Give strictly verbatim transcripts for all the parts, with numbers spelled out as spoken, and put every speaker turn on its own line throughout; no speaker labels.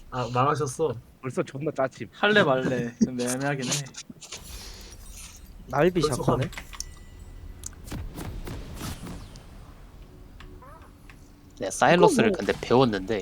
아 망하셨어.
벌써 존나 짜침.
할래 말래 좀 애매하긴 해.
날비
벌써
샷건네.
네, 사일러스를
뭐-
근데 배웠는데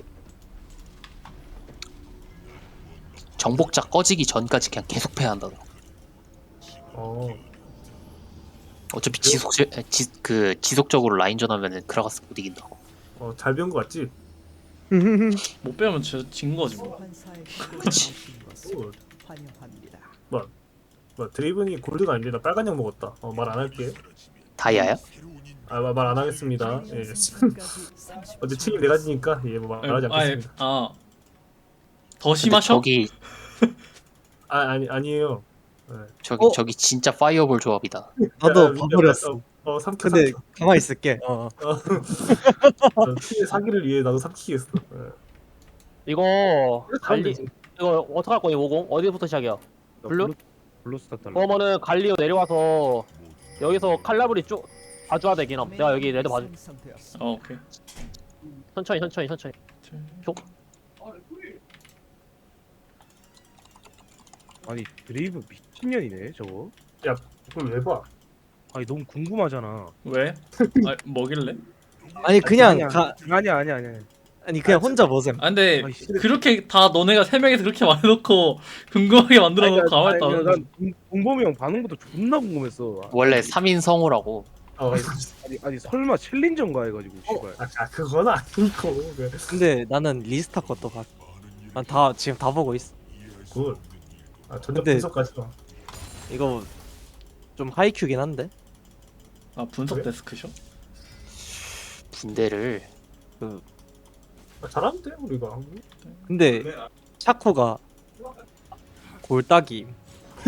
정복자 꺼지기 전까지 그냥 계속 패야 한다더라.
어.
어차피 지속 지, 그 지속적으로 라인전 하면은 크라가스 못 이긴다고.
어, 잘 배운 거 같지?
못 배우면 진, 진 거지 뭐.
그치.
오. 뭐, 뭐 드레이븐이 골드가 아닌데 나 빨간 약 먹었다. 어, 말 안 할게.
다이아야?
아, 말 안 하겠습니다. 예. 어제 책임 내가 지니까 예, 뭐 말하지
아예
않겠습니다.
아더
근데
심하셔?
저기
아, 아니 아니에요. 예.
저기
어?
저기 진짜 파이어볼 조합이다.
나도
야,
봐버렸어.
어, 어 삼켜
근데
삼켜.
가만히 있을게. 어.
어, 팀의 사기를 위해 나도 삼키겠어. 예.
이거
가면
갈리
되지.
이거 어떡할 거니 오공? 어디부터 시작이야? 블루?
블루스타 달라.
그러면은 갈리오 내려와서 여기서 칼라브리 쭉 봐줘야 되긴 함. 내가 여기 레드 봐줘.
어 오케이.
천천히 천천히 천천히.
아니 드레이브 미친년이네 저거.
그걸 왜 봐?
아니 너무 궁금하잖아.
왜? 아 뭐길래?
아니 그냥
아니야.
가
아니야 아니야 아니야.
아니 그냥 혼자 보셈.
아 근데
아이, 씨.
그렇게 다 너네가 세 명이서 그렇게 말해놓고 궁금하게 만들어놓고 가만히 있다.
난 공범이 형 반응 것도 존나 궁금했어.
원래 삼 인 성우라고.
어,
아니 아니 설마 챌린저인가 해가지고 씨발.
아, 아 그건 아니고. 그,
근데 나는 리스타 것도 봤. 난다 지금 다 보고 있어.
굿. 아, 전력
근데-
분석까지 마.
이거 좀 하이큐긴 한데.
아 분석
그래?
데스크셔?
분대를
아, 잘하는데 우리가.
근데 샤코가 골딱이.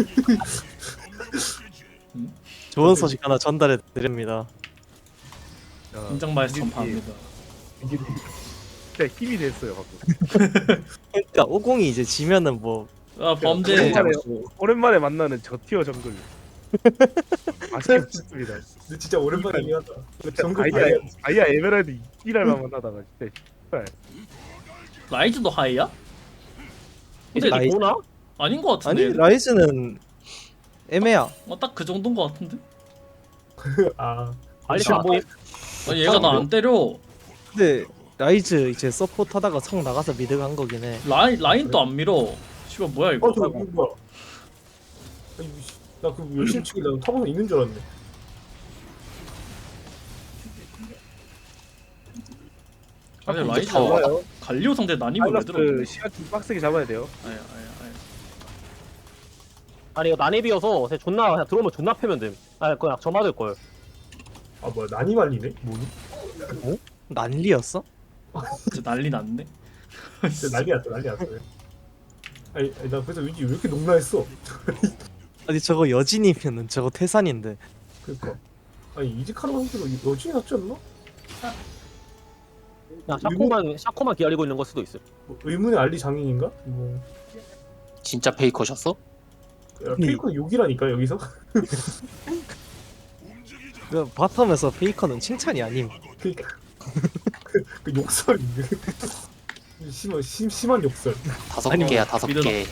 음?
좋은 소식 하나 전달해 드립니다.
야,
인정 말씀
이게-
전파합니다.
이게 진짜 힘이 됐어요 가끔.
그러니까 오공이 이제 지면은 뭐
아 범죄
오랜만에, 오랜만에 만나는 저 티어 정글. 아쉽습니다.
근데 진짜 오랜만이긴 하다. 정글
아이야
다이아
아이야 에메랄드 이랄만 만나다가 진짜 씨발.
라이즈도 하이야? 근데
라이즈-
보나?
아닌 것
아니
같은데.
라이즈는 애매야.
어딱 그 정도인 것 같은데.
아,
갈리 안 보임?
아니 얘가 나 안 때려.
근데 라이즈 이제 서포트 하다가 성 나가서 미드 간 거긴 해.
라인 라인도 안 밀어. 씨발 뭐야 이거?
어, 저 이거 뭐야? 아니, 나그 열심히 치길래 타고는 있는 줄 알았네.
아니
자꾸
라이즈
더
좋아요.
갈리오 상대 난입을 왜 들어?
파일럿 시간 좀 빡세게 잡아야 돼요.
아야 아야 아야.
아니 이거 난입이어서 그냥 존나 그냥 들어오면 존나 패면 됨. 아 그냥 저 맞을 걸.
아 뭐야 난이 말리네? 뭐니?
난리였어?
진짜 난리 났네.
진짜 난리 났어 난리 났어. 아니, 아니 나 그래서 왠지 왜 이렇게 농락했어?
아니 저거 여진이면은 저거 태산인데.
그니까 아니 이지카르 선수가 여진이 낫지 않나?
그냥 샤코만 샤코만 기다리고 있는 걸 수도 있어.
뭐, 의문의 알리 장인인가? 뭐
진짜 페이커셨어?
야, 페이커는 욕이라니까 여기서?
그 바텀에서 페이커는 칭찬이 아님.
그니까 그, 그 욕설 심한 심, 심한 욕설.
다섯
아니,
개야 다섯
믿어라.
개.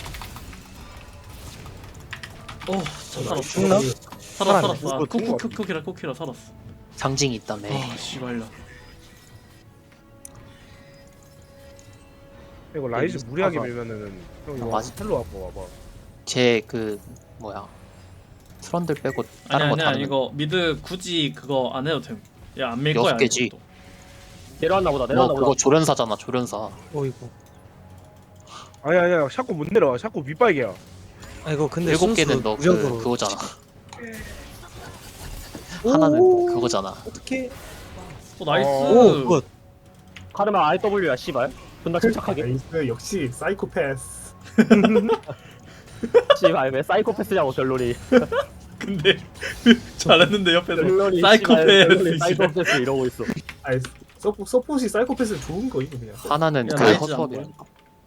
어 살았어.
죽나?
살았어
살았네.
살았어. 아,
그거
쿠쿠
죽은 거
쿠쿠키라 쿠키라 살았어.
상징이 있다며.
아 씨발라.
이거 라이즈
데뷔
무리하게
스타가-
밀면은 형 이거
맞아.
텔로 와봐 와봐.
제 그 뭐야 트런들 빼고
아니
다른 거
아니야
다는
이거 미드 굳이 그거 안 해도 됨. 야안 밀 거야.
여섯 개지.
이것도.
내려왔나 보다
뭐
내려왔나
그거
보다.
조련사잖아 조련사.
어이구.
아니 아니야 샤코 못 내려와. 샤코 밑바이게야.
아이고 근데
일곱
순수
개는 너 그
무적으로.
그거잖아.
오!
하나는 그거잖아.
어떻게?
어 나이스.
오 굿.
카르마 아이더블유야 씨발. 존나 침착하게.
나이스 역시 사이코패스.
씨발 왜 사이코패스냐고 결론이.
근데 잘했는데 옆에서
결론이
사이코패스.
결론이
씨발.
사이코패스 이러고 있어.
아니 서포 서포시 사이코패스 좋은 거임 그냥.
하나는
야,
그
라이즈
허수아비야.
안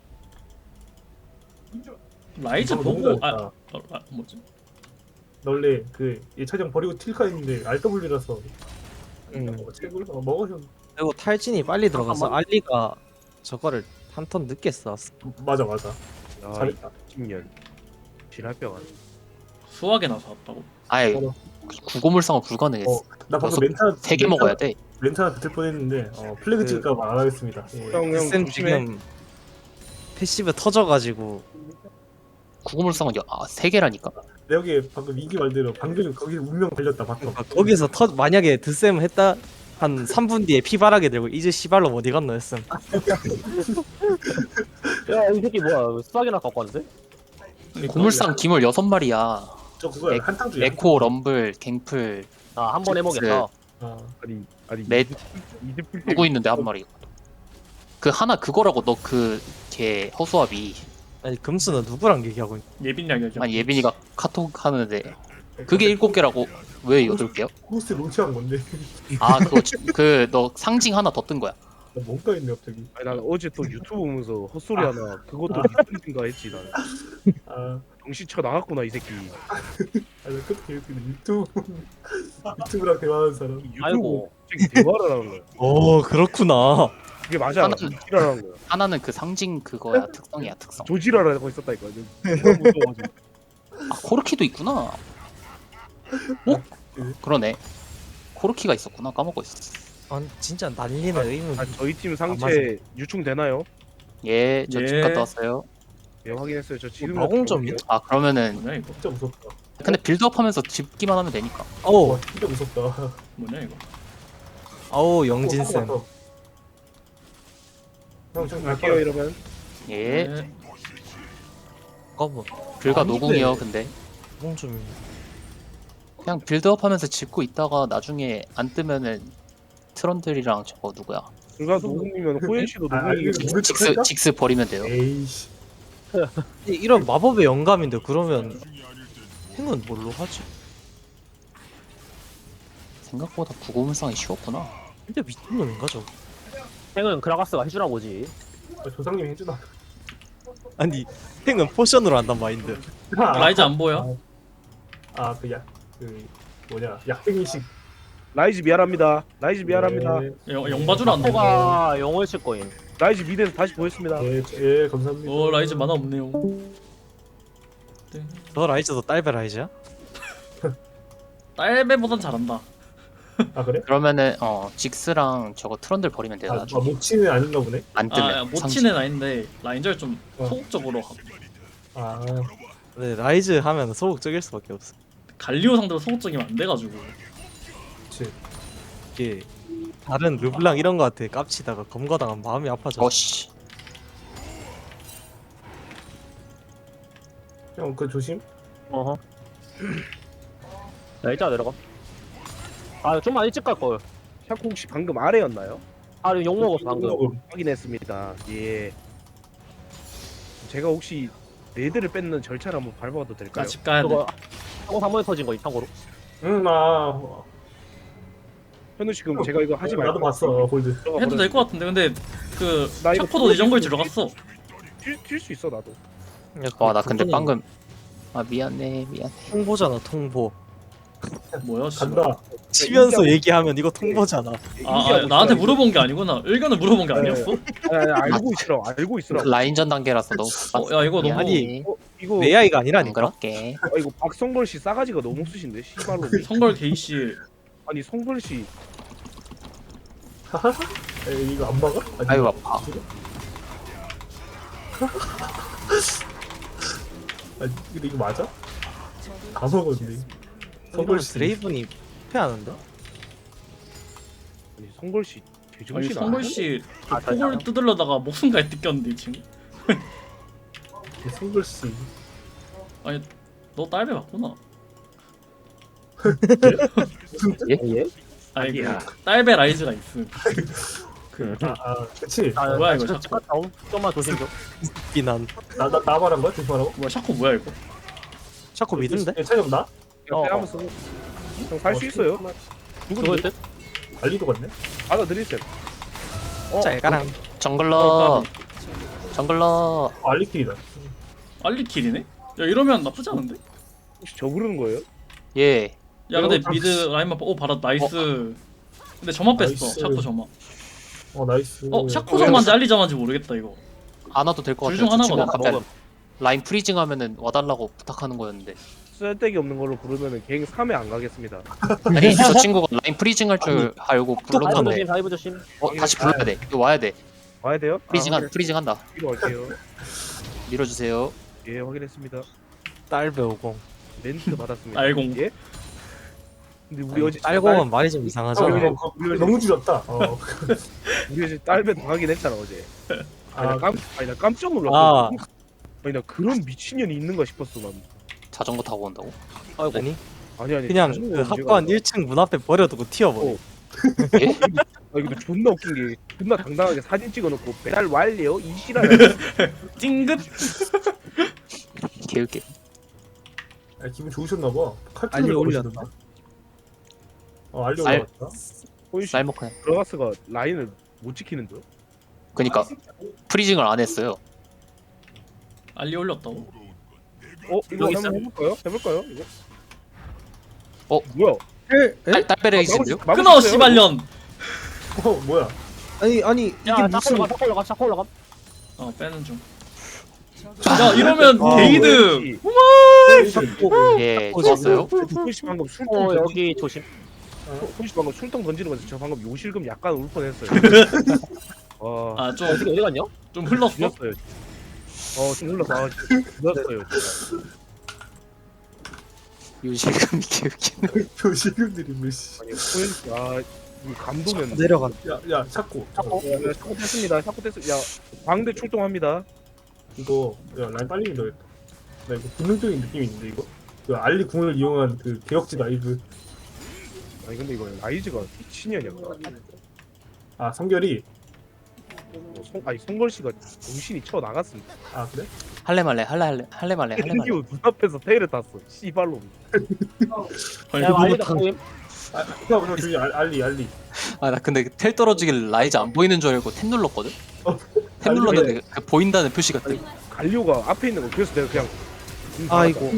라이즈
너무
보고
잘했다.
아, 어, 아 뭐지?
나 원래 그 예차장 버리고 틸카 했는데 알더블유라서
음.
어, 책을 어, 먹으셨.
그리고 탈진이 빨리 들어가서
잠깐만.
알리가 저거를 한 턴 늦게 쐈어.
맞아 맞아.
야,
잘했다.
이십 년. 지랄병아.
수학에 나서 왔다고?
아예
어.
구고물상은 불가능했어.
어, 나 방금
여섯-
멘탈
세 개 먹어야 돼.
멘탈 붙을 뻔했는데 어, 플래그
그-
찍을까 봐 안 하겠습니다. 예.
형, 형
쌤
조심해.
지금 패시브 터져가지고
구고물상은 여- 아, 세 개라니까.
내 여기 방금 이기 말대로 방금 거기 운명 걸렸다 봤어.
아, 거기서 터 만약에 드쌤 했다 한 삼 분 뒤에 피바라게 들고 이제 시발로 어디 갔노 했음.
야이 새끼 뭐야 수학이나 갖고 왔는데?
고물상 기물 여섯 마리야.
저 그거야
에-
한탕 중이야.
에코, 럼블, 갱플,
아 한 번 해보겠다.
아,
아니 아니
넷
이드풀
누구 있는데 한 마리. 그 하나 그거라고 너 그 걔 허수아비.
아니 금수는 누구랑 얘기하고 있?
예빈 이야기야.
아니 예빈이가 카톡 하는데 그게 일곱 개라고 왜 여덟 개요?
호스트 론치한 건데.
아 그거 그 너 상징 하나 더 뜬 거야.
나 뭔가 있네 갑자기.
아니 난 어제 또 유튜브 보면서 헛소리
아.
하나 그것도 리플인가 했지 난.
아,
정신 쳐 나갔구나 이 새끼.
아, 나 그렇게 웃기네. 유튜브 유튜브랑 대화하는 사람.
유튜브
아이고.
갑자기 대화를 하는 거야.
오 그렇구나.
그게 맞아.
하나는-
조지라라는 거야.
하나는 그 상징 그거야 특성이야 특성.
조지라라고 있었다니까. 너무 무서워가지고.
아 코르키도 있구나. 어? 그러네. 코르키가 있었구나 까먹고 있었어.
아 진짜 난리네 의문.
아, 저희 팀
맞아.
상체 유충 되나요?
예, 저 집
예.
갔다 왔어요.
예 확인했어요. 저 지금
마공점이요?
아 그러면은
뭐냐 이거?
진짜 무섭다.
근데 빌드업하면서 집기만 하면 되니까.
어우
와, 진짜 무섭다.
뭐냐 이거?
아우 영진 쌤.
형, 좀
갈게요
갈게요.
이러면.
예,
네.
거부.
불가
아닌데.
노궁이요. 근데
마공점이.
그냥 빌드업하면서 집고 있다가 나중에 안 뜨면은 트런들이랑 저거 누구야?
불가 노궁이면 호연 씨도
아,
노궁이.
이거 누굴
직스
쳤을까?
직스 버리면 돼요.
에이씨.
이- 이런 마법의 영감인데 그러면 행은 뭘로 하지?
생각보다 구고물상이 쉬웠구나.
진짜 미친놈인가 저?
행은 그라가스가 해주나 보지.
아, 조상님이 해주나.
아니 행은 포션으로 한단 마인드.
라이즈 안 보여?
아, 그 약, 그 뭐냐, 약생이식.
라이즈 미안합니다. 라이즈 미안합니다.
네,
영 영바주로 안 보여.
코가 영월 칠 거임.
라이즈 미드에서 다시 보였습니다.
예, 예, 감사합니다.
어 라이즈 만화 없네요. 네.
너 라이즈도 딸배 라이즈야?
딸배보단 잘한다.
아 그래?
그러면은 어 직스랑 저거 트런들 버리면 돼요.
아, 아
나중에
모치는 아닌가 보네.
안 뜨면.
아
상징.
모치는 아닌데 라인절 좀
어.
소극적으로 하고.
아,
근데 라이즈 하면 소극적일 수밖에 없어.
갈리오 상대로 소극적이면 안 돼가지고.
그치.
이게 다른 르블랑 이런 거 같아 깝치다가 검거당하면 마음이 아파져.
어씨.
형, 그 조심.
어허. 야 일단 내려가. 아 좀만 일찍 갈 걸.
샤코 혹시 방금 아래였나요?
아 이거 욕 먹었어 방금.
확인했습니다. 예. 제가 혹시 레드를 뺏는 절차를 한번 밟아도 될까요?
나 집 가야 돼.
그거 한번 한 번에 터진 거 참고로.
응, 나
현우 씨 그럼 제가 이거 하지 말고
나도 봤어, 골드.
해도 될 것 같은데 근데 그
나 이거
샤코도 이 정글
뛸
들어갔어.
뛸수 있어 나도.
와 나 근데 방금 아 미안해 미안해.
통보잖아 통보.
뭐야? 씨.
간다.
치면서 얘기하면 이거 통보잖아.
아, 아 나한테 물어본 게 아니구나. 의견을 물어본 게 아니었어?
아니, 아니, 알고 있으라 알고 있으라.
라인전 단계라서 너무
어, 야 이거 너무
아니,
어, 이거
에이아이가
안
아니라니까.
그렇게.
아, 이거 박성걸 씨 싸가지가 너무 쓰신데 씨발로.
성걸 게이 씨.
아니 성걸 씨
에이, 이거 안 막아? 아니,
아이고 아파.
아니, 근데 이거 맞아? 다 먹었네.
성걸 드레이븐이 패하는데?
아니 성걸 씨
아니
제정신
성걸
아니야?
씨
아, 잘
폭을 뜯으려다가 목숨까지 뜯겼는데 지금.
송글씨.
아니 너 딸배 맞구나.
예?
아니
아니야.
그 딸배 라이즈가 있음.
아, 아, 그치.
아
뭐야, 이거
진짜
자꾸.
집 갔다 옴. 좀만 조심 좀.
비난.
나, 나, 나 말한 거야? 조심하라고?
뭐야 샤코 뭐야 이거?
샤코 미든데?
예, 차이 없나?
그냥 빼 한번 쓰고 형살 수 있어요.
그거일
누구든
듯?
알리도 같네?
받아들이세요. 어,
짤가랑.
정글러 정글러
아, 알리킬이다.
알리킬이네? 야 이러면 나쁘지 않은데?
혹시 저 부르는 거예요?
예.
야 근데
어,
미드 라인만 오 바로 나이스. 근데 저만 뺐어.
나이스.
샤코 저만.
어, 나이스.
어 샤코 저만인지 알리 저만인지 모르겠다 이거.
안 와도 될 것
둘
같아요.
중
저 친구
하나거든.
아까
먹음.
라인 프리징 하면은 와달라고 부탁하는 거였는데.
쓸데기 없는 걸로 부르면은 갱 삼에 안 가겠습니다.
아니 저 친구가 라인 프리징 할 줄 알고
다이브
불렀는데.
조심 다이브 조심.
어 다시 불러야 돼. 이거 와야 돼.
와야 돼요?
프리징
아,
한 프리징 한다.
뒤로 갈게요.
밀어주세요.
예, 확인했습니다.
딸배 오공.
멘트 받았습니다.
알공.
예? 근데 우리 어제
딸공은 말이 좀
어,
이상하잖아.
우리-
이거
우리 어제-
너무 줄였다. 어.
우리 어제 딸배 당하긴 했잖아 어제. 아니 나,
아,
깜, 아니, 나 깜짝 놀랐어.
아.
아니 나 그런 미친년이 있는가 싶었어 난.
자전거 타고 온다고?
아이고.
아니
아니 아니.
그냥
자전거
그
문제가
학관
아니라.
일 층 문 앞에 버려두고 튀어버려.
어. 아니 근데 존나 웃긴 게 존나 당당하게 사진 찍어놓고 배달 완료 이시라는.
찡긋.
개웃게.
아, 기분 좋으셨나 봐. 칼퇴를
알리
넣으시던데.
올렸다.
어, 알리
쌀-
올라왔다.
호이씨
쌀먹한.
브라가스가 라인을 못 지키는데.
그니까 프리징을 안 했어요.
알리 올렸다고?
어 이거
여기
한번 해볼까요? 해볼까요 이거?
어?
뭐야?
딸 딸베레이신데요?
막을 수- 막을
끊어
수 있어요?
씨발년.
어, 뭐야?
아니 아니 이게
야
무슨
자꾸 올라가 자꾸 올라가 자꾸 올라가.
어 빼는 중. 야 이러면
아,
게이드.
예, 좋았어요.
호이씨 방금 술통
어
던지-
여기 조심.
호이씨 방금 술통 던지는 거지. 저 방금 요실금 약간 울 뻔했어요. 와.
아 좀 좀
어떻게 어디 갔냐?
흘렀어.
죽였어요. 어, 좀 흘러서 아, 죽였어요. 진짜.
요실금이 개웃기네.
표시금들이 몇 씨.
아니, 호연씨, 아, 이 감동은.
내려간.
야, 야, 찾고.
자꾸.
야, 야, 샤코 뗐습니다. 샤코 뗐어. 야, 광대 출동합니다.
이거 야, 라인 빨리 밀어야겠다. 나 이거 본능적인 느낌이 있는데 이거. 그 알리 궁을 이용한 그 개혁지 라이브.
아니 근데 이거 라이즈가 미친년이야.
아, 성결이.
어, 성, 아니 성걸 씨가 정신이 쳐 나갔습니다.
아, 그래?
할래 말래 할래 할래 할래 말래 할래 말래.
땡기고 눈앞에서 테일을 탔어. 씨발로.
아니,
야
그거
알리다
다-
보임.
아, 야, 저 저기 알- 알리, 알리.
아 나 근데 텔 떨어지길 라이즈 안 보이는 줄 알고 탭 눌렀거든.
어.
탭 눌렀는데 그 보인다는 표시가 뜨.
갈리오가 앞에 있는 거 그래서 내가 그냥. 눈
아이고.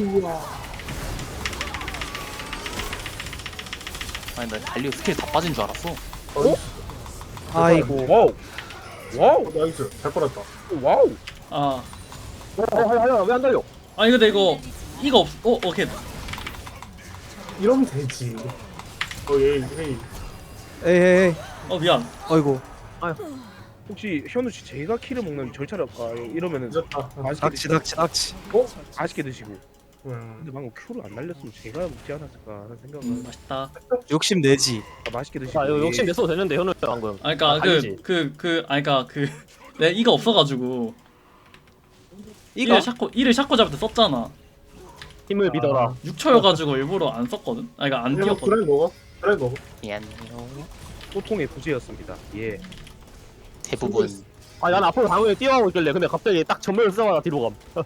아니 나 달리오 스킬 다 빠진 줄 알았어.
아이고.
닫았어. 와우. 와우.
어, 나이스. 잘 빨았다.
와우.
아
어하야 왜안 달려?
아니 근데 이거 이거 없. 어 오케이.
이러면 되지. 어, 얘, 헤이.
에이 에이.
어 미안.
아이고.
혹시 현우 씨 제가 키를 먹는 절차를 할까 이러면은
늦었다.
맛있게
낚시
드시고,
낚시 낚시.
어? 맛있게 드시고.
음.
근데 방금 큐를 안 날렸으면 제가 먹지 않았을까 하는 생각을.
음, 맛있다.
욕심 내지.
아, 맛있게 드시고.
자 이거 욕심 냈어도 되는데 현우 방금.
아 그니까
아,
그
아니지.
그 그 아니 그니까 그 내 이가 없어가지고
이거
이를 샤코 이를 샤코 잡을 때 썼잖아.
힘을
아.
믿어라.
육 초여가지고 일부러 안 썼거든. 아니 그니까 안
그래,
뛰었거든.
그래 먹어. 그래 먹어.
미안해요.
소통의 부재였습니다. 예.
대부분
아 난 앞으로 당연히 뛰어가고 있길래 근데 갑자기 딱 전면을 쓰다가 뒤로 감.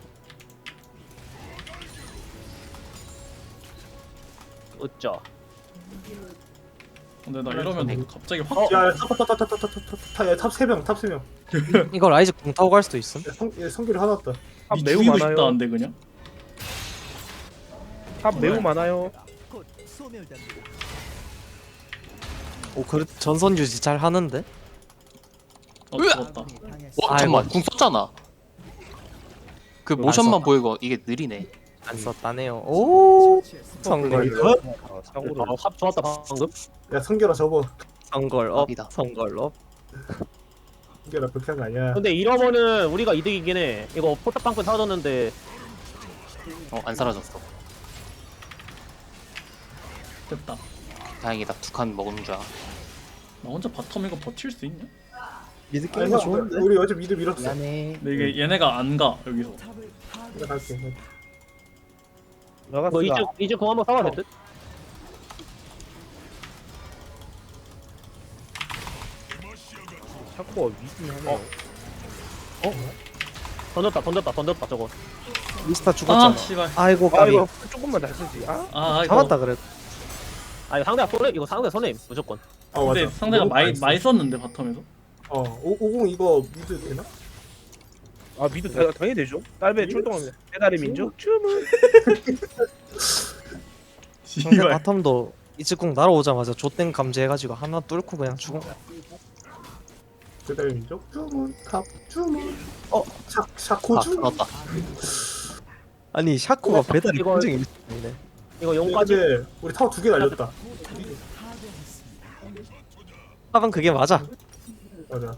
어쩌.
근데 나 이러면 갑자기 확.
어?
야, 야, 탑, 탑, 탑, 탑, 탑, 탑, 탑, 탑, 야, 탑 세 명, 탑 세 명.
이거 라이즈 공 타고 갈 수도 있음.
야, 성, 야, 성결이 하나 왔다.
탑
니
매우
죽이고
많아요.
싶다는데 그냥.
탑 매우 많아요.
오 그래 전선 유지 잘 하는데.
어 죽었다.
어
아이고.
잠깐만 궁 썼잖아. 그
안
모션만
썼다.
보이고 이게 느리네.
안 썼다네요. 오. 성걸 업.
아, 사고를.
아, 합 좋았다 방금.
야, 성결아 접어.
성걸 업.
업이다.
성걸 업.
성결아 그렇게 한 거 아니야.
근데 이러면은 우리가 이득이긴 해. 이거 포탑방크 사줬는데
어 안 사라졌어.
됐다.
다행이다. 두 칸 먹은 줄 알아.
나 혼자 바텀 이거 버틸 수 있냐?
미드
아니,
게임
형,
좋은데.
우리 어제 미드 밀었어.
미안해.
근데 이게 얘네가 안 가 여기서.
내가 갈게.
뭐
나갔어.
이제 이제 공 한번 싸워야 될 듯.
샤코가 위긴 하네요.
던졌다 던졌다 던졌다 저거.
미스터
아
죽었잖아.
씨발.
아이고
아
까비.
이거 조금만 잘 쓰지. 아.
아 이거.
잡았다 그래.
아 이거 상대가 손해 이거 상대 손해 무조건.
어,
근데
맞아.
상대가
너무
많이
잘했어.
많이 썼는데 바텀에서.
어, 오, 오공 이거 미드 되나?
아 미드 다, 당연히 되죠. 딸배 출동합니다. 배달의 민족 주문.
상대
씨발.
바텀도 이즈궁 날아오자마자 좆땡 감지해가지고 하나 뚫고 그냥 죽은 거야.
그다음에 민족 주문 탑 주문.
어?
샤 샤코
아
주문.
죽었다.
아니 샤코가
이거-
배달이
이거-
굉장히 일시적이네.
이거 용까지.
근데 우리 타워 두 개 날렸다.
탑은 그게 맞아.
맞아.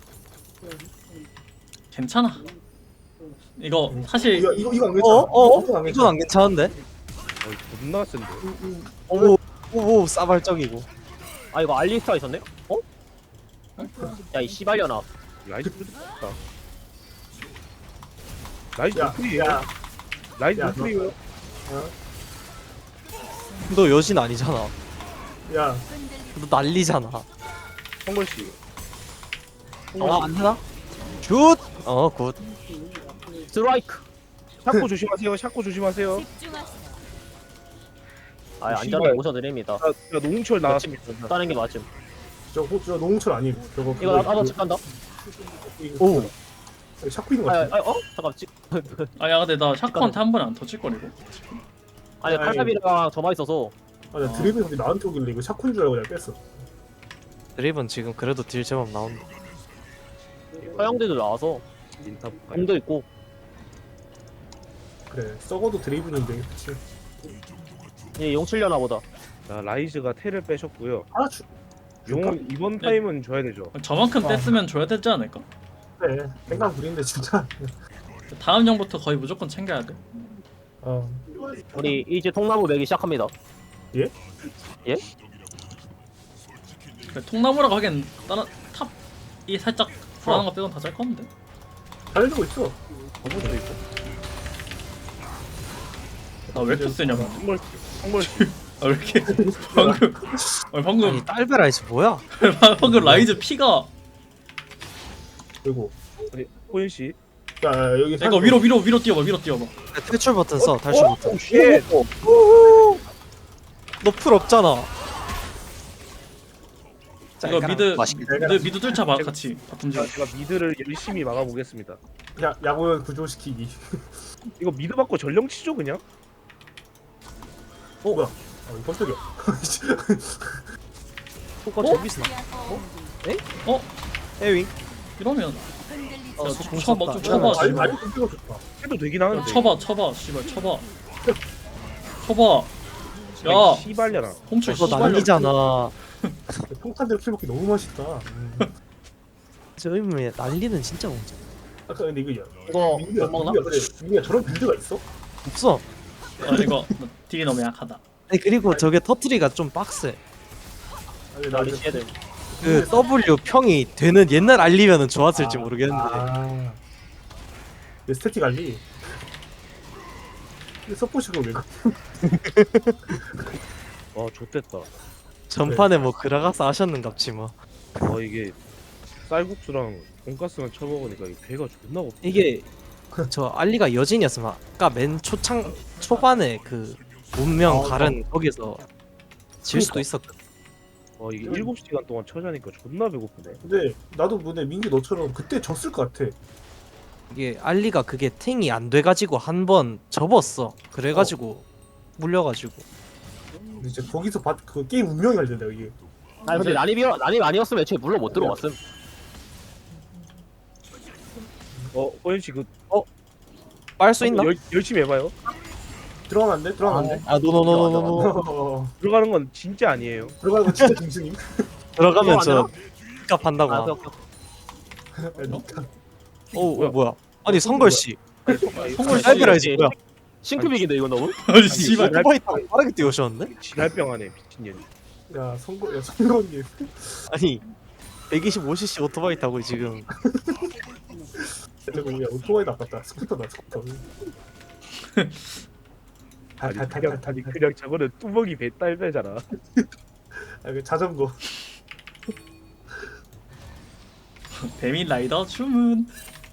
괜찮아. 이거 사실
이거 이거 이거 안
어?
괜찮아.
어?
이거 안
이건 안 괜찮은데?
어 존나 센데.
오, 오, 오 싸발적이고.
아 이거 알리스타 있었네? 어? 야 이 씨발려나.
라이즈 뜯었다. 라이즈
야,
노플이에요.
야,
라이즈
야,
노플이에요.
너 여신 아니잖아.
야,
너 난리잖아.
성걸 씨.
어, 안 되나? 슛! 어, 굿.
스트라이크.
샤코 조심하세요. 샤코 조심하세요.
아 안전하게
씨발.
모셔드립니다.
야, 야 노홍철 나왔어.
따는 게 맞음.
저거 저 농철 아니. 저거
이거 나- 나도 집 간다.
오. 샤코 있는 거
아,
같아.
아, 어? 잠깐 지,
아야 근데 나 샤크한테 한 번에 안 터질 거리고.
아니
아니.
칼날이랑 저만 있어서
아, 나 드리블 소리 나한테 오길래 이거 샤코인 줄 알고 내가 뺐어.
드립은 지금 그래도 딜 제법 나온다.
서양대도 나와서
인탑 가요.
공도 있고.
그래, 썩어도 드리블인데, 그치?
얘 용칠려나 보다.
자 라이즈가 텔을 빼셨고요.
아, 주,
용은 이번 타임은 줘야 되죠.
저만큼
어.
뺐으면 줘야 되지 않을까?
그래. 생각 부리는데 진짜.
다음 형부터 거의 무조건 챙겨야 돼.
어.
우리 이제 통나무 매기 시작합니다.
그래, 통나무라고 하기엔 다른 탑이 살짝 불안한 거 빼곤 다 잘 컸는데.
잘해주고 있어.
저번도 있고.
나 왜 이렇게 세냐? 아,
성걸 씨. 성걸 씨.
왜 이렇게 방금 아니, 방금
아니, 딸베라이스 뭐야?
방금 라이즈 피가
그리고,
아니 호연 씨.
야, 야, 여기
이거 위로 위로 위로 뛰어봐 위로 뛰어봐.
탈출 버튼 써, 탈출 버튼.
오 쉣.
너 풀 없잖아. 자,
이거
이거랑
미드
맛있겠다.
미드 미드 뚫자 봐 같이 바텀
제가,
지.
제가 미드를 열심히 막아보겠습니다.
야, 야구연 구조시키기.
이거 미드 받고 전령 치죠 그냥?
어, 뭐야? 어, 이거 깜짝이야.
효과 저기서 나.
어
에윙.
이러면
어,
야,
좀
쳐봐
쳤다.
좀 쳐봐
아니,
씨발.
아니, 깜짝이야, 좋다.
해도 되긴
야,
하는데.
쳐봐 쳐봐 씨발 쳐봐. 쳐봐. 야
씨발려나.
홈출
이거
씨발.
난리잖아.
평탄대로 킬먹기 너무 맛있다. 음.
저 의미에 난리는 진짜 공짜.
아까 근데 이거, 야,
이거
민규야,
못 먹나?
민규야, 그래. 민규야, 저런 빌드가 있어?
없어.
아 이거 너 딜이 너무 약하다.
아니 그리고 저게 터트리가 좀 빡세.
아니, 나
나리
이제-
씨애들.
그 W 평이 되는 옛날 알리면은 좋았을지 모르겠는데.
아. 내 스태틱 알리. 근데 서포시가 왜?
와 좆됐다.
전판에 뭐 그라가스 하셨는갑지 뭐.
와 이게 쌀국수랑 돈가스만 쳐먹으니까 이 배가 존나 고파.
이게 저 알리가 여진이었으면 아까 맨 초창 초반에 그 운명
아,
가른 거기서 질 수도 있었거든.
와 이게 일곱 시간 동안 쳐자니까 존나 배고프네.
근데 나도 근데 민규 너처럼 그때 졌을 것 같아.
이게 알리가 그게 탱이 안 돼가지고 한 번 접었어. 그래가지고 물려가지고.
근데 이제 거기서 받, 그 게임 운명이 갈린다 이게.
아니 근데 난입이어 난입 아니었으면 애초에 물러 못 들어왔음.
어 호연 씨그
빨 수 있나?
열, 열심히 해봐요.
들어가면 안 돼? 들어가면 안 돼?
아 노노노노노.
어,
들어가는 건 진짜 아니에요.
들어가는 거 진짜 중승임.
들어가면 저
들어가면
값 한다고.
아,
하.
오케이, 오케이.
그러니까.
오
뭐야?
뭐야? 아니 성걸 씨.
성걸 씨.
딸베라이즈 뭐야?
싱크빅인데 이거 너무?
아니 씨발.
오토바이 타고 빠르게 뛰어오셨는데?
지랄병하네 미친년이.
야 선거 야 선거님.
아니 백이십오 씨씨 오토바이 타고 지금
저거 야 오토바이도 아깝다. 스쿠터다 스쿠터.
아니 그냥
달달달달
아니 그냥 저거는 뚜벅이 배 딸배잖아.
아, 그 자전거.
배민 라이더 주문.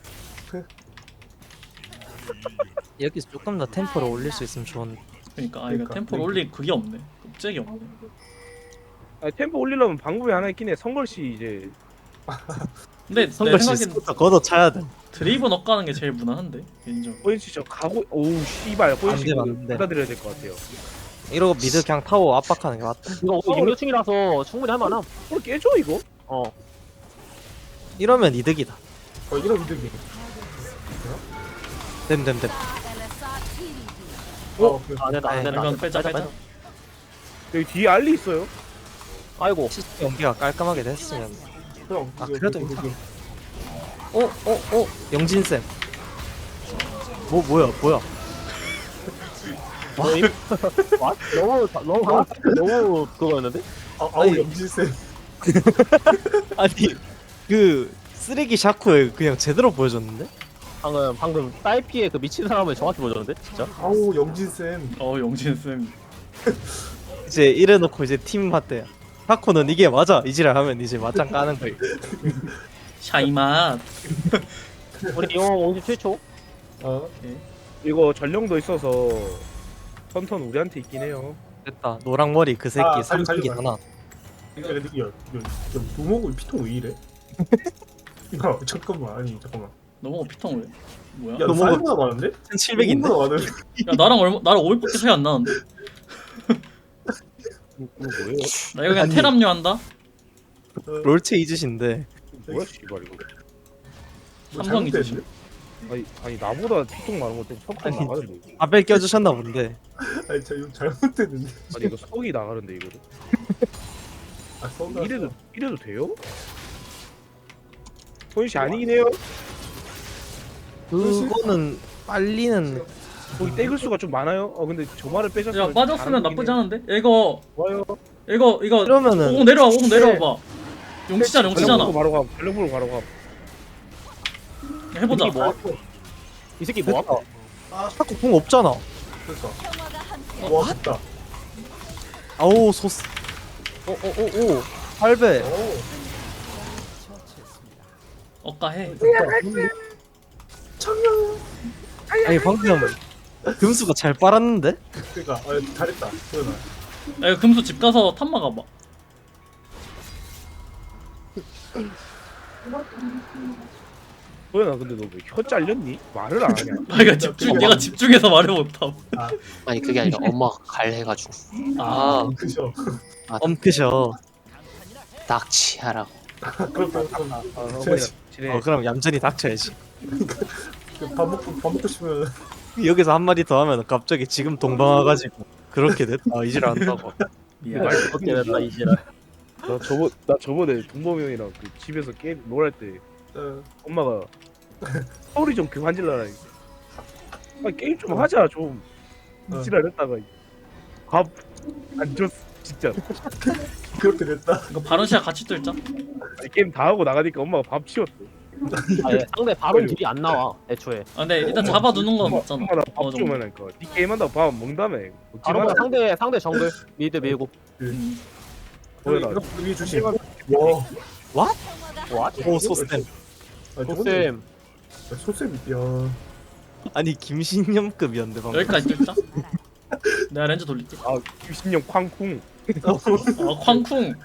여기서 조금 더 템포를 올릴 수 있으면 좋은데.
그러니까 아 이거
그러니까,
템포를
그러니까.
올릴 그게 없네. 껍질이 없네.
아니 템포 올리려면 방법이 하나 있긴 해. 성걸 씨 이제
근데 내
성걸 씨
생각엔
스쿠터 걷어 차야 돼.
드리븐 엇가는 게 제일 무난한데 인정.
호연 씨저 가고 오우 씨발 호연
안
씨
돼,
그
안 돼.
받아들여야 될 것 같아요.
이러고 미드 그냥 타워 압박하는 게 맞다.
이거 육류층이라서 충분히 할 만함.
어 깨져 이거?
어.
이러면 이득이다.
어 이런 이득이.
됨됨됨.
어 그,
안 된다 안
아니,
된다.
이건 빼자
빼자,
빼자.
빼자.
여기 뒤에 알리 있어요.
아이고.
시스템 연기가 깔끔하게 됐으면.
형.
아,
그거,
그래도
그거, 그거.
어, 어, 어, 영진 쌤. 뭐 뭐야, 뭐야?
와? 너무 너무 너무 그거였는데?
아, 아우
아니.
영진쌤.
아니 그 쓰레기 샤코에 그냥 제대로 보여줬는데?
방금 방금 딸피의 그 미친 사람을 정확히 보여줬는데 진짜?
아우 영진쌤.
어 영진 쌤.
이제 이래놓고 이제 팀 맞대요. 샤코는 이게 맞아 이지랄 하면 이제 맞짱 까는 거예요.
샤이맛.
우리 이용 공지 최초.
어.
이거 전령도 있어서 턴턴 우리한테 있긴 해요.
됐다. 노랑머리 그 새끼
아, 달려,
삼식이
달려,
하나.
그러니까 근데 야, 야, 야 노목을 피통 왜 이래? 야 잠깐만 아니 잠깐만.
너무 피통 왜? 뭐야?
야
야,
너
노목은
사이즈가 많은데?
천칠백인데?
너무나 많은데?
나랑 얼마 나랑 오백밖에 차이 안 나는데?
이거 뭐예요?
나 이거 그냥
아니.
테람류 한다.
롤체 이즈신데
뭐야 씨발 이거.
뭐
삼성 이제
잘못됐는데?
아니 아니 나보다 피통 많은 것 때문에 턱
아니,
나가는데. 이거.
아벨 껴주셨나 본데.
아니 저 이거 잘못됐는데.
아니 이거 석이 나가는데 이거.
아 써가.
이래도 이래도 돼요? 손씨 아니긴 해요.
그거는 빨리는
거기 떼글 수가 좀 많아요. 어 근데 저 말을 빼셨으면
야 빠졌으면 나쁘지 않은데? 야, 이거
좋아요.
이거 이거
이러면은
오공 내려와 오공 내려와봐. 용치잖아 용치잖아.
전령 보고 바로 가. 전령 보고 바로 가.
해보자.
이 새끼 뭐? 이 새끼 뭐?
샤코 궁 없잖아.
그러니까. 와 됐다.
아우 소스. 오오오오 팔 배.
오.
억가해.
아니 방금 금수가 잘 빨았는데?
그러니까 아 잘했다. 소연아.
야 이거 금수 집 가서 탑 막아봐.
소연아 근데 너 왜 혀 잘렸니? 말을 안 하냐?
아 이거 집중 얘가 집중해서 말을 못함.
아니 그게 아니라 엄마가 갈해가지고
아
그죠.
엄크셔.
낙치하라고.
그럼 그럼 그럼.
아
저-
어머니가 지내.
어 그럼 얌전히 닥쳐야지.
그 밥 먹고 밥 먹고 싶으면
여기서 한 마디 더 하면 갑자기 지금 동방 와가지고 그렇게 됐다 이질 안다고.
미안.
말
어떻게 됐다 이 지랄.
나 저번 나 저번에 동범이 형이랑 그 집에서 게임 롤할 때
어,
엄마가 소리 좀 그만 질러라. 아 게임 좀 하자 좀.
어.
지랄했다가 밥안 줬어 진짜.
그렇게 됐다.
이거 바론시아 같이 뚫자.
아니, 게임 다 하고 나가니까 엄마가 밥 치웠어.
아, 예. 상대 바론 딜이 안 나와 애초에.
아 근데 일단 잡아두는 건 맞잖아.
엄마
어느
나밥
정도.
주면 하니까 니 게임 한다고 밥 안 먹는다며.
바론
먹지마.
상대 상대 정글 미드 밀고.
음.
소연아.
이거 여기 주시.
게임
와.
와?
오 소스템.
아,
도쌤.
소쌤 야.
아니 김신념급이었는데 방금.
여기까지 뚫자. 내가 렌즈 돌릴게.
아 유신형 쾅쿵.
아 쾅쿵.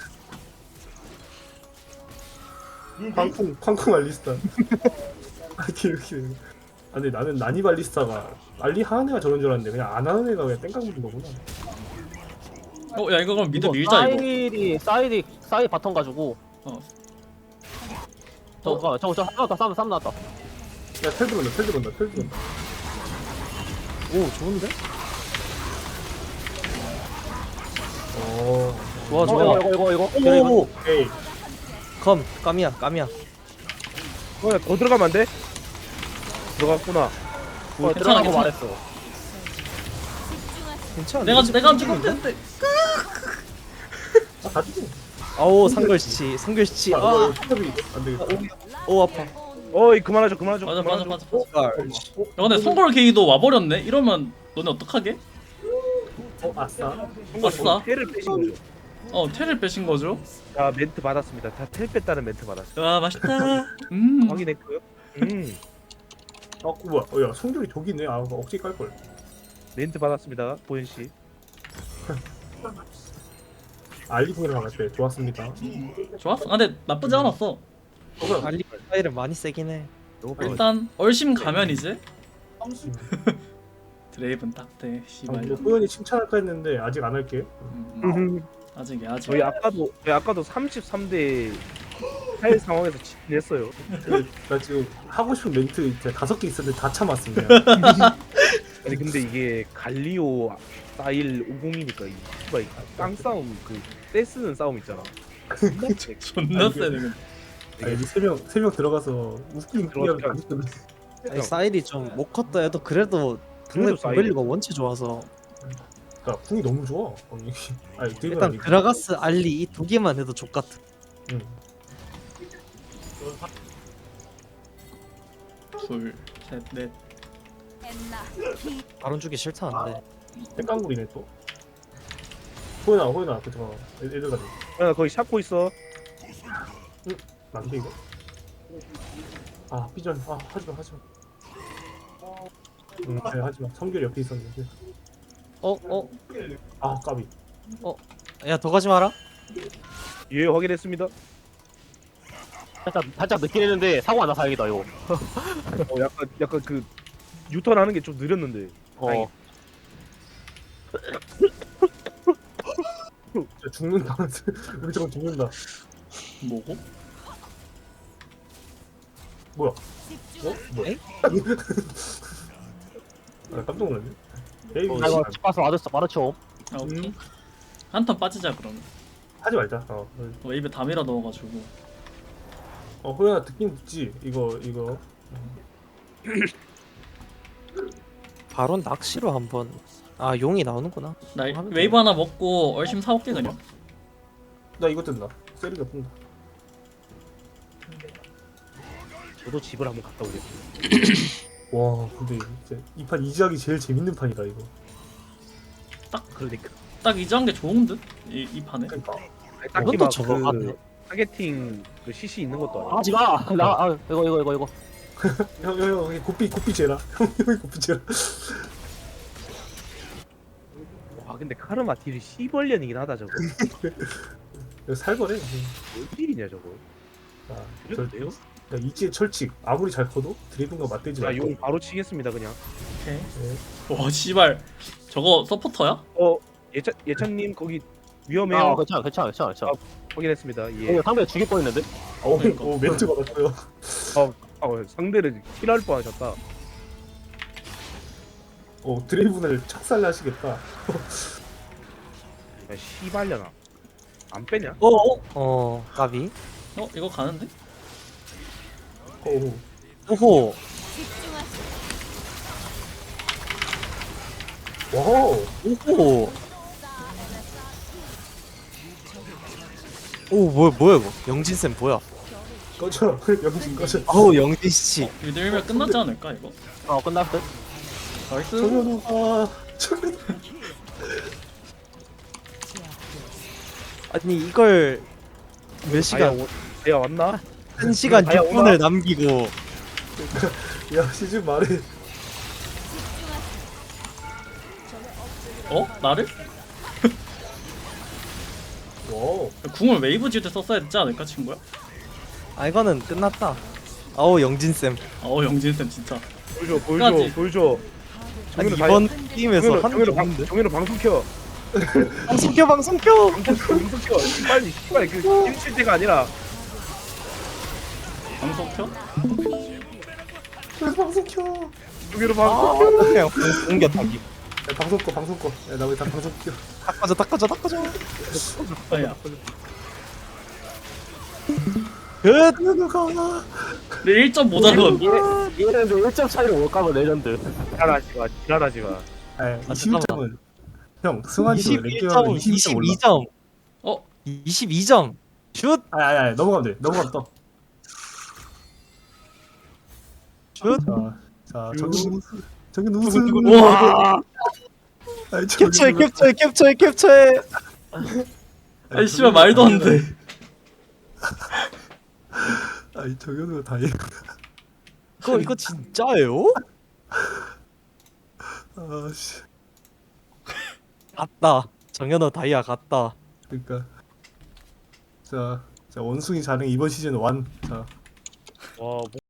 쾅쿵 쾅쿵 알리스타. 아 이렇게. 아 근데 나는 나니 발리스타가 알리 하는 애가 저런 줄 알았는데 그냥 안 하는 애가 그냥 땡깡 부린 거구나.
어야 이거 그럼 미드 밀자 이거.
사이디 사이디 사이디 바텀 가지고.
어.
저 잠깐만 저저 하나 더 싸움 싸움 나왔다.
야텔 들어온다 텔 들어온다 텔 들어온다.
오 좋은데?
어.
좋아
어,
좋아.
이거 이거 이거 이거.
오오오.
오케이.
컴 까미야 까미야.
소연아 더 들어가면 안 돼? 들어갔구나.
어,
괜찮아,
들어가고
괜찮아.
말했어.
괜찮아.
내가 내가 죽었는데.
아 가지고.
아오 상글씨 상글씨.
아
아.
이거 탑이 안 되겠다.
오 아파.
어이 그만하자 그만하자.
맞아 맞아 맞아.
아,
야 근데 송골 게이도 와버렸네. 이러면 너네 어떡하게?
어 아싸.
아싸.
테를 빼신 거죠.
어 테를 빼신 거죠?
자 멘트 받았습니다. 다 텔 뺐다는 멘트 받았어요.
와 맛있다. 음.
확인했고요. 음
아 뭐야? 어야 성적이 저기 있네. 아 억지 깔 걸.
멘트 받았습니다. 보현 씨.
알리풍이랑 나갈 때 좋았습니다.
좋았어. 아, 근데 나쁘지 않았어.
어, 뭐야?
알리 스타일은 많이 세긴 해.
너무 빨리.
일단 얼심 가면 이제 드레이븐 딱대
아,
씨발.
뭐 호연이 칭찬할까 했는데 아직 안 할게.
음, 음. 아직이야 아직.
저희 아까도 저희 아까도 삼십삼 대 할 상황에서 진했어요.
나 지금 하고 싶은 멘트 이제 다섯 개 있었는데 다 참았음 그냥.
아니 근데 이게 갈리오 스타일 오공이니까 이 씨발 이 깡싸움 그 떼쓰는 싸움 있잖아.
존나 세네 근데.
아니 세명 세 명 들어가서 웃긴
들어가서
그냥 가졌던데.
아니, 사일이 좀 못 컸다 해도 그래도 상대
그래도 사일이-
공밸류가 원체 좋아서
그러니까 궁이 너무 좋아. 아니, 아니 되게
일단
아니,
그라가스 알리 이 두 개만 해도 족같아.
응.
둘, 셋, 넷.
바론 주기 싫다는데.
땡깡구리네 또. 호연아 호연아 그 저 애들 가자.
야 거기 샤코 있어.
안돼 이거. 아 삐전 아 하지마 하지마. 응 그래 하지마. 성결 옆에 있었는데.
어 어.
아 까비.
야 더 가지 마라.
예 확인했습니다.
살짝 살짝 늦긴 했는데 사고 안 나 다행이다 이거.
어 약간 약간 그 유턴하는 게 좀 느렸는데.
어.
진짜 죽는다. 우리 저거 죽는다.
뭐고?
뭐야? 어? 뭐야?
에이?
아 깜짝 놀랐네. 에이
아
뭐
이거 집 가서 마르쳐 마르쳐.
아 오케이.
음.
한 턴 빠지자 그러면.
하지 말자. 어,
웨이브 다 밀어 넣어가지고.
어 호연아 듣긴 듣지. 이거 이거.
바론 낚시로 한번. 아 용이 나오는구나.
나
하면
웨이브 하나 먹고 얼심 사올게 그냥.
나 이거 뜬다. 세리가 뜬다.
저도 집을 한번 갔다 오겠습니다.
와 근데 이제 이 판 이지하기 제일 재밌는 판이다 이거.
그러니까.
딱 이제한 게 좋은 듯? 이, 이 판에.
그러니까.
아니, 딱히
이것도
막
저거
그
같네.
타겟팅 그 씨씨 있는 것도 아니고.
하지 마. 나 아, 이거 이거 이거 이거.
형형형 고삐 고삐 재라. 형 형이 고삐 재라.
와 근데 카르마 딜이 시벌년이긴 하다 저거.
이거 살벌해.
뭔 딜이냐 저거.
아,
이래도
저,
돼요?
야, 이지의 철칙 아무리 잘 커도 드리븐과 맞대지 말고.
자용 바로 치겠습니다 그냥.
오케이.
네.
와 씨발. 저거 서포터야?
어 예찬 예찬님 거기 위험해요.
아 괜찮아 괜찮아 괜찮아 괜찮아.
확인했습니다. 예.
이거 상대 죽일 뻔했는데.
어,
그러니까.
어 멘트 받았어요.
어, 상대를 킬할 뻔하셨다.
어 드리븐을 착살하시겠다.
야, 씨발려나. 안 빼냐?
어 어. 어 까비.
어 이거 가는데?
어,
오호.
와우.
오호. 오 뭐야 뭐야 이거. 영진 쌤 뭐야?
꺼져. 영진 꺼져.
어우 영진 씨.
이거 밀면 끝나지 않을까 이거?
어 끝났을 듯.
나이스.
정현우가 정현우.
아니 이걸 몇 시간
아야, 오- 내가 왔나?
한 시간
아야,
육 분을 남기고
야 시즌 말해.
어? 나를?
와우.
궁을 웨이브 지을 때 썼어야 되지 않을까 친구야?
아 이거는 끝났다. 아우 영진 쌤.
어우 영진쌤 진짜.
보여줘,
끝까지.
보여줘, 보여줘.
아니
정현우
이번 게임에서
정현우,
한
정현우
게
방,
없는데.
정현우 방송 켜.
방송 켜 방송 켜.
방송 켜, 방송 켜. 빨리, 빨리 그 킬칠 때가 아니라.
방송 켜?
왜 방송 켜?
정현우
아
방송.
그냥 방송 옮겨 타기.
야, 방송 꺼 방송 꺼. 야, 나 왜 다 방송 켜?
닦아줘 닦아줘 닦아줘.
아야.
끝.
정현우가.
내 일 점 모자론.
얘네들 일 점 차이로 못 가면 레전드.
지랄하지 마, 지랄하지 마.
아,
아,
이십일 점은 형 승환이
이십일 점 이십이 점.
어?
이십이 점. 슛.
아니 아니 아니 넘어가면 돼. 넘어가면 떠.
슛.
자, 자 정현 정현 우승.
와.
아니,
캡처해
정현우가-
캡처해 캡처해 캡처해.
아이 씨발 말도 안 돼.
아니 정현우가 다행.
이거 이거 진짜예요?
아씨.
갔다. 정현호 다이아 갔다.
그러니까. 자, 자 원숭이 자랑 이번 시즌 완. 자.
와,